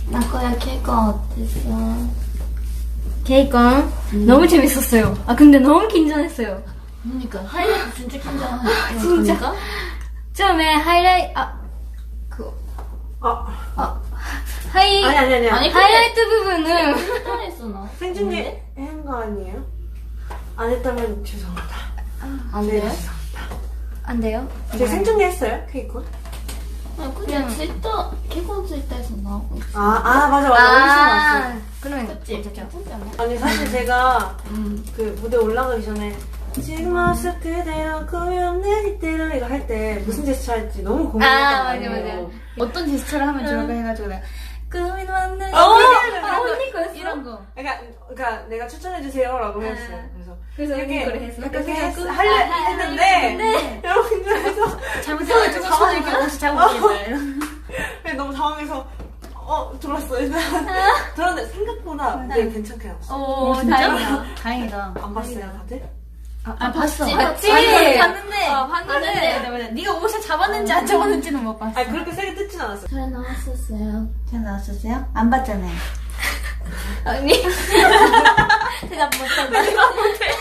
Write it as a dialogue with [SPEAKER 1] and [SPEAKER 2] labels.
[SPEAKER 1] 나코야 케이콘 어땠어?
[SPEAKER 2] 케이콘 너무 재밌었어요. 아 근데 너무 긴장했어요.
[SPEAKER 1] 그러니까 하이라이트 진짜 긴장하는
[SPEAKER 2] 진짜.
[SPEAKER 1] 거니까?
[SPEAKER 2] 처음에 하이라이트
[SPEAKER 3] 아니.
[SPEAKER 1] 아니,
[SPEAKER 2] 하이라이트 부분은
[SPEAKER 1] 긴장했어 나.
[SPEAKER 3] 생중계 한 거 아니에요? 안 했다면 죄송합니다.
[SPEAKER 1] 안
[SPEAKER 3] 네,
[SPEAKER 1] 돼요?
[SPEAKER 3] 죄송합니다.
[SPEAKER 2] 안 돼요?
[SPEAKER 3] 제가 생중계 했어요, 케이콘?
[SPEAKER 1] 그냥 트위터 케이콘 트위터에서 나오고 있어.
[SPEAKER 3] 맞아. 어디서 봤어요.
[SPEAKER 2] 그러면
[SPEAKER 1] 그치?
[SPEAKER 2] 괜찮죠.
[SPEAKER 1] 괜찮지 않아?
[SPEAKER 3] 아니, 사실 제가 그 무대 올라가기 전에 지금 모습 그대로 꾸며내 이대로 이거 할 때 무슨 제스처 할지 너무 고민했단 말이에요.
[SPEAKER 2] 어떤 제스처를 하면 좋을까 해가지고 내가 꿈이 왔네.
[SPEAKER 3] 언니
[SPEAKER 2] 거였어? 이런 거.
[SPEAKER 3] 그러니까 내가 추천해주세요라고 했어요.
[SPEAKER 2] 그래서
[SPEAKER 3] 이렇게
[SPEAKER 2] 이거를 했어.
[SPEAKER 3] 이렇게 했는데 여러분 그래서
[SPEAKER 2] 잘못해가지고 손을 이렇게 혹시 잘못했나요?
[SPEAKER 3] 너무 당황해서 들었어요. 들었는데 생각보다 무대 괜찮게 나왔어요.
[SPEAKER 2] 오, 다행이다. 다행이다.
[SPEAKER 3] 안 봤어요, 다들?
[SPEAKER 2] 봤어.
[SPEAKER 1] 봤지?
[SPEAKER 2] 봤는데.
[SPEAKER 1] 봤는데.
[SPEAKER 2] 네가 옷을 잡았는지 안 잡았는지는 못 봤어.
[SPEAKER 3] 아니 그렇게 세게 뜯진 않았어요.
[SPEAKER 1] 잘 나왔었어요.
[SPEAKER 2] 잘 나왔었어요? 안 봤잖아요. 언니. 대답 못한다.